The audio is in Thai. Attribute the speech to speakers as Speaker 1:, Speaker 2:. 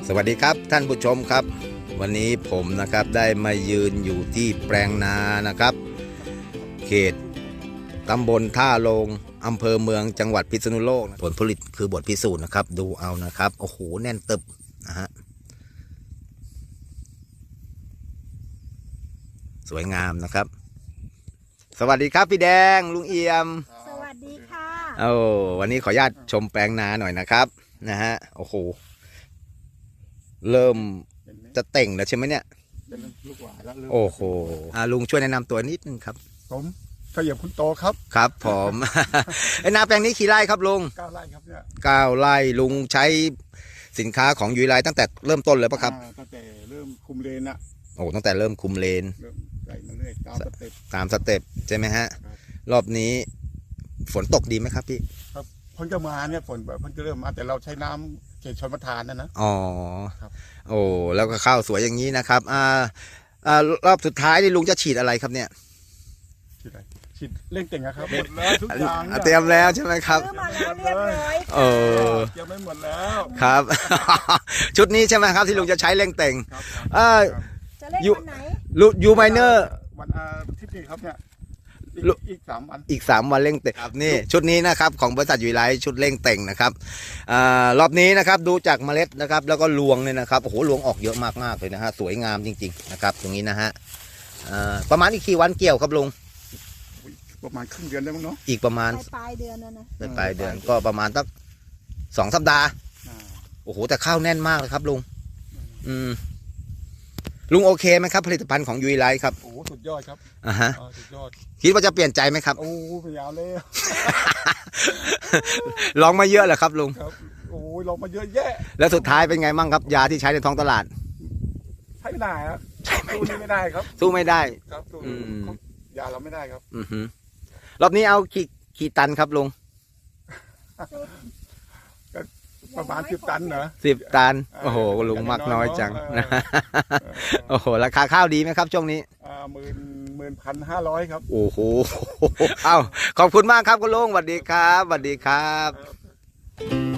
Speaker 1: สวัสดีครับท่านผู้ชมครับวันนี้ผมนะครับได้มายืนอยู่ที่แปลงนานะครับเขตตำบลท่าโลงอำเภอเมืองจังหวัดพิษณุโลกผลผลิตคือบทพิสูจน์นะครับดูเอานะครับโอ้โหแน่นตึบนะฮะสวยงามนะครับสวัสดีครับพี่แดงลุงเอี่ยม
Speaker 2: สวัสดีค่ะ
Speaker 1: วันนี้ขออนุญาตชมแปลงนาหน่อยนะครับนะฮะโอ้โหเริ่มจะเต่งแล้วใช่ไหมเนี่ย
Speaker 3: เป็นลูกหวานแล้ว
Speaker 1: โอ้โหลุงช่วยแนะนำตัวนิดนึงครับ
Speaker 3: ผมขยับคุณโตครับ
Speaker 1: ครับผม ไอ้นาแปลงนี้กี่ไร่ครับลุง
Speaker 3: 9 ไร่ครับเนี่ย
Speaker 1: 9 ไร่ลุงใช้สินค้าของยุ้ยไลตั้งแต่เริ่มต้นเลยปะครับ
Speaker 3: ตั้งแต่เริ่มคุมเลนอะ
Speaker 1: โอ้ตั้งแต่เริ่มคุมเลน
Speaker 3: เริ่มใส่มาเรื่อยตามสเต็ป
Speaker 1: ใช่ไหมฮะรอบนี้ฝนตกดีไหมครับพี่
Speaker 3: ครับเพิ่งจะมาเนี่ยฝนแบบเพิ่งจะเริ่มมาแต่เราใช้น้ำเขตชลประทานนะ
Speaker 1: อ๋อ
Speaker 3: ครับ
Speaker 1: โอ้แล้วก็ข้าวสวยอย่างนี้นะครับรอบสุดท้ายนี่ลุงจะฉีดอะไรครับเนี่ย
Speaker 3: ฉีดเร่งเต่งครับหมดแล้วทุกอย่าง
Speaker 1: เตรียมแล้วใช่ไหมครับ
Speaker 2: ซื้อมาแล้วเรียบร้อย
Speaker 3: เตรียมไม่หมดแล้ว
Speaker 1: ครับ ชุดนี้ใช่ไหมครับที่ลุงจะใช้เร่งเต่ง
Speaker 2: จะเล่นวันไหน
Speaker 1: ยูไมเนอร์
Speaker 3: วันอาทิตย์นี้ครับเนี่ยอีก3 วัน
Speaker 1: อีก3 วันเร่งเต่งครับนี่ชุดนี้นะครับของบริษัทยุ้ยไลท์ชุดเร่งเต่งนะครับรอบนี้นะครับดูจากเมล็ดนะครับแล้วก็รวงเนี่ยนะครับโอ้โหรวงออกเยอะมากๆเลยนะฮะสวยงามจริงๆนะครับตรงนี้นะฮะประมาณอีกกี่วันเกี่ยวครับลุง
Speaker 3: ประมาณครึ่งเดือนได้มั้งเนาะ
Speaker 1: อีกประมาณ
Speaker 2: ปลายเดือนนะ
Speaker 1: ปลายเดือนก็ประมาณสัก2 สัปดาห์โอ้โหแต่ข้าวแน่นมากเลยครับลุงลุงโอเคไหมครับผลิตภัณฑ์ของยุ้ยไลท์ครับ
Speaker 3: โอ้สุดยอดครับสุดยอด
Speaker 1: คิดว่าจะเปลี่ยนใจไหมครับ
Speaker 3: โอ้พยายามเลย
Speaker 1: ลองมาเยอะเหรอครับลุง
Speaker 3: ครับโอ้ลองมาเยอะแยะ
Speaker 1: แล้วสุดท้ายเป็นไงมั่งครับยาที่ใช้ในท้องตลาด
Speaker 3: ใช้ไม่ได้ครับสู้นี่ไม่ได้ครับ
Speaker 1: สู้ไม่ได้
Speaker 3: ครับสู้ยาเราไม่ได้ครับ
Speaker 1: รอบนี้เอากี่ตันครับลุง
Speaker 3: ประมาณ10 ตันเหรอ
Speaker 1: 10 ตันโอ้โหลุงมากน้อยจังนะโอ้โหราคาข้าวดีไหมครับช่วงนี้
Speaker 3: 11,500ครับ
Speaker 1: โอ้โหเอ้าขอบคุณมากครับคุณลุงสวัสดีครับสวัสดีครับ